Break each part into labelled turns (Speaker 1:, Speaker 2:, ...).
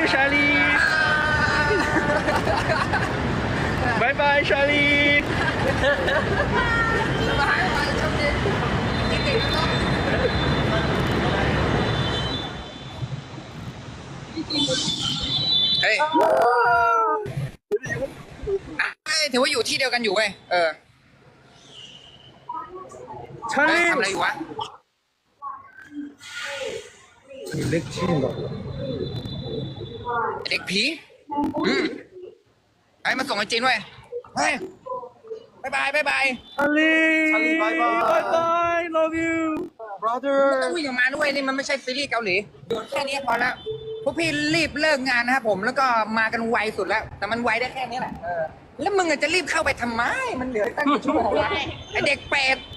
Speaker 1: Charlie. Bye bye, Charlie.
Speaker 2: เฮ้ยถือว่าอยู่ที่เดียวกันอยู่เว้ยเฮ้ย
Speaker 1: Charlie.
Speaker 2: ทำอะไรอยู่วะ
Speaker 1: 렉 치인가?
Speaker 2: เด็กผีไอ้มาส่งไอ้จีนเว้ยเฮ้ยบายบายบายบาย
Speaker 1: Charlie.
Speaker 3: bye bye.
Speaker 1: Bye bye. Love you.
Speaker 2: ต้องวิ่งออกมาด้วยนี่มันไม่ใช่ซีรีส์เกาหลีโดนแค่นี้พอแล้วพวกพี่รีบเลิกงานนะครับผมแล้วก็มากันไวสุดแล้ว แต่มันไวได้แค่นี้แหละแล้วมึงจะรีบเข้าไปทำไมมันเหลือตั้งกี่ชั่วโมงวะไอเด็กเป็ด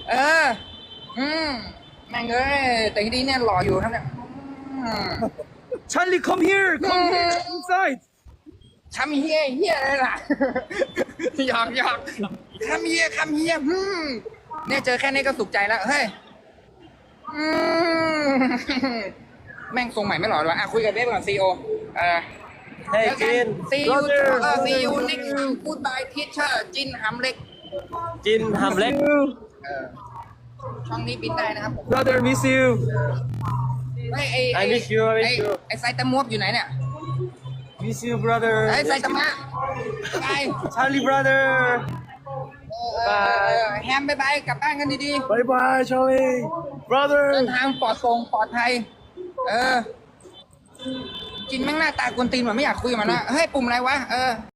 Speaker 2: แม่งเอ้ยแต่ทีนี้เนี่ยหล่ออยู่ครับเนี่ย
Speaker 1: Charlie, come here. Come here. Inside.
Speaker 2: ทำเฮียอะไรล่ะ หยอกทำเฮียเนี่ยเจอแค่นี้ก็สุขใจแล้วเฮ้ยแม่งทรงใหม่ไม่หล่อเลยวะคุยกับเบ๊ก่อนซีโอ
Speaker 3: Hey, Jin.
Speaker 2: see you
Speaker 3: Brother.
Speaker 2: see you next time goodbye teacher จินหำเล็ก
Speaker 3: Jin Hamlet.
Speaker 2: ช่องนี้บินได้นะครับผม
Speaker 1: Brother, miss you.
Speaker 3: I miss you, I miss you.
Speaker 2: ไอ้ไซตามวบอยู่ไหนเนี่ย
Speaker 3: Miss you, brother.
Speaker 2: ไอ้ไซตามะไป
Speaker 3: Charlie, brother.
Speaker 2: แฮมบายกลับบ้านกันดี
Speaker 1: Bye bye, Charlie.
Speaker 2: ๆ
Speaker 1: Brother.
Speaker 2: เดินทางปลอดภัยจินแม่งหน้าตากวนตีนเหมือนไม่อยากคุยกับมันนะเฮ้ยปุ่มอะไรวะ